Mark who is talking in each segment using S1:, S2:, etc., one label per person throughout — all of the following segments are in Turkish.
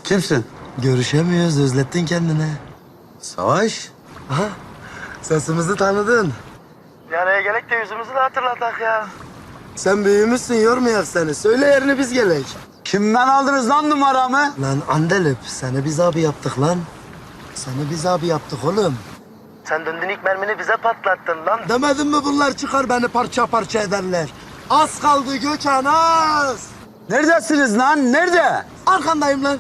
S1: Kimsin?
S2: Görüşemiyoruz, özlettin kendini.
S1: Savaş.
S2: Aha, sesimizi tanıdın. Bir araya gelek de yüzümüzü de hatırlatak ya. Sen büyümüşsün, yormayak seni. Söyle yerini biz gelek.
S1: Kimden aldınız lan numaramı?
S2: Lan Andelip, seni biz abi yaptık lan. Seni biz abi yaptık oğlum. Sen döndün ilk mermini bize patlattın lan. Demedin mi bunlar çıkar beni parça parça ederler. Az kaldı Gökhan, az.
S1: Neredesiniz lan? Nerede?
S2: Arkandayım lan.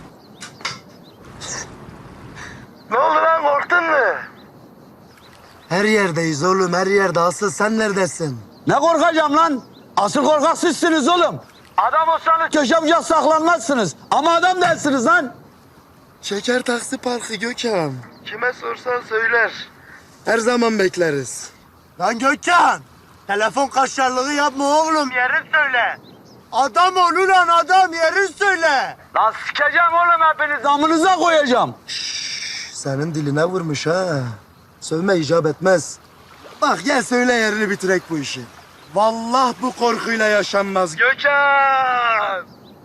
S2: Ne oldu lan, korktun mu? Her yerdeyiz oğlum, her yerde. Asıl sen neredesin?
S1: Ne korkacağım lan? Asıl korkak sizsiniz oğlum. Adam olsanız köşe bucak saklanmazsınız. Ama adam değilsiniz lan.
S2: Şeker Taksi Parkı Gökhan. Kime sorsan söyler. Her zaman bekleriz. Lan Gökhan! Telefon kaşarlığı yapma oğlum, yerini söyle. Adam ol ulan adam, yerini söyle.
S1: Lan sikeceğim oğlum hepiniz. Amınıza koyacağım.
S2: Senin diline vurmuş ha. Sövme icap etmez. Bak gel söyle yerini bitirek bu işi. Vallahi bu korkuyla yaşanmaz Gökhan!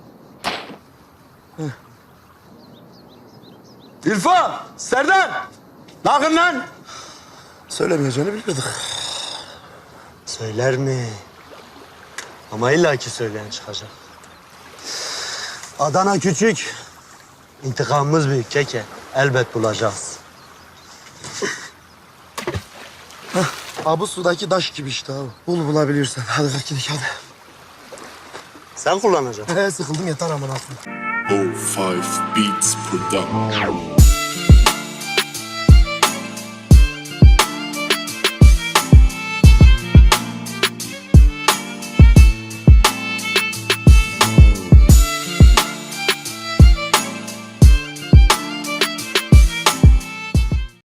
S1: İrfan, Serdar. Bakın lan.
S2: Söylemeyeceğini bilirdik. Söyler mi? Ama illaki söyleyen çıkacak. Adana küçük. İntikamımız büyük keke. Elbet bulacağız. Bu sudaki taş gibi işte abi. Bul bulabilirsen. Hadi kalk gidelim hadi. Sen kullanacaksın. Sıkıldım yeter aman aklım.
S3: O5 Beats Production.